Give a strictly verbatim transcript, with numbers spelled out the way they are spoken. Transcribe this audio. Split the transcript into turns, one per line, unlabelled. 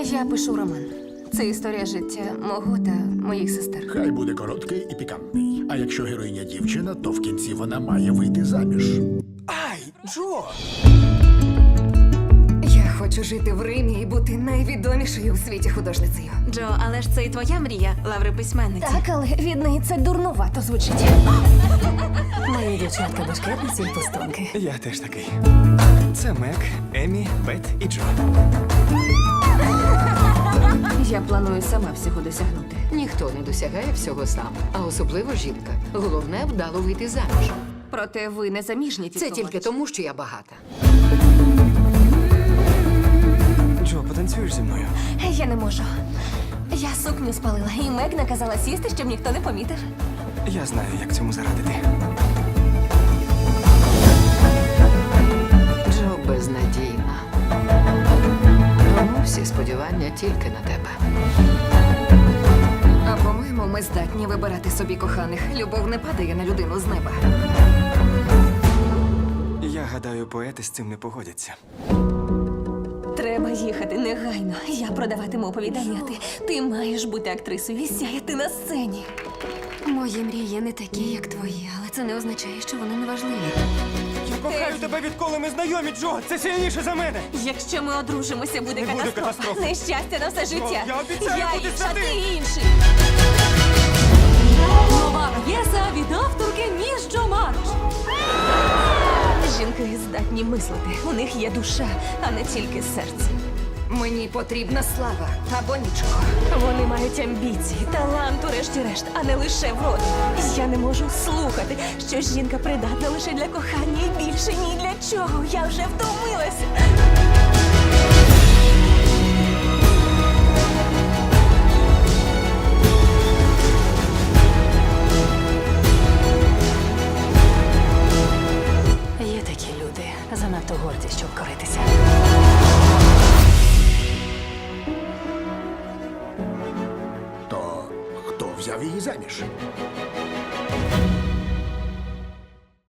Я пишу роман. Це історія життя мого та моїх сестер.
Хай буде короткий і пікантний. А якщо героїня дівчина, то в кінці вона має вийти заміж.
Ай, Джо!
Я хочу жити в Римі і бути найвідомішою у світі художницею.
Джо, але ж це і твоя мрія, лаври письменниці.
Так, але від неї це дурнувато звучить.
Мої дівчатка башкетниці і пустунки.
Я теж такий. Це Мек, Емі, Бет і Джо.
Я планую сама всього досягнути.
Ніхто не досягає всього сам, а особливо жінка. Головне – вдало вийти заміж.
Проте ви не заміжні,
Це тільки тому, що я багата.
Джо, потанцюєш зі мною?
Я не можу. Я сукню спалила, і Мек наказала сісти, щоб ніхто не помітив.
Я знаю, як цьому зарадити.
Джо безнадійна. Тому всі сподівання тільки на тебе.
А по-моєму, ми здатні вибирати собі коханих. Любов не падає на людину з неба.
Я гадаю, поети з цим не погодяться.
Треба їхати негайно. Я продаватиму оповідання, а ти, ти маєш бути актрисою і сяяти на сцені. Мої мрії не такі, як твої, але це не означає, що вони не важливі.
Я кохаю тебе, відколи ми знайомі, Джо! Це сильніше за мене!
Якщо ми одружимося, буде
Не буде
катастрофа.
катастрофи.
Нещастя на все життя.
я обіцяю
я
бути
інша,
святим.
ти інший.
Нова п'єса від авторки Ніж Джо Марш.
Жінки здатні мислити. У них є душа, а не тільки серце. Мені потрібна слава або нічого. Вони мають амбіції, талант, урешті-решт, а не лише вроду. Я не можу слухати, що жінка придатна лише для кохання і більше ні для чого. Я вже втомилася.
Є такі люди, занадто горді, щоб коритися.
То хто взяв її заміж?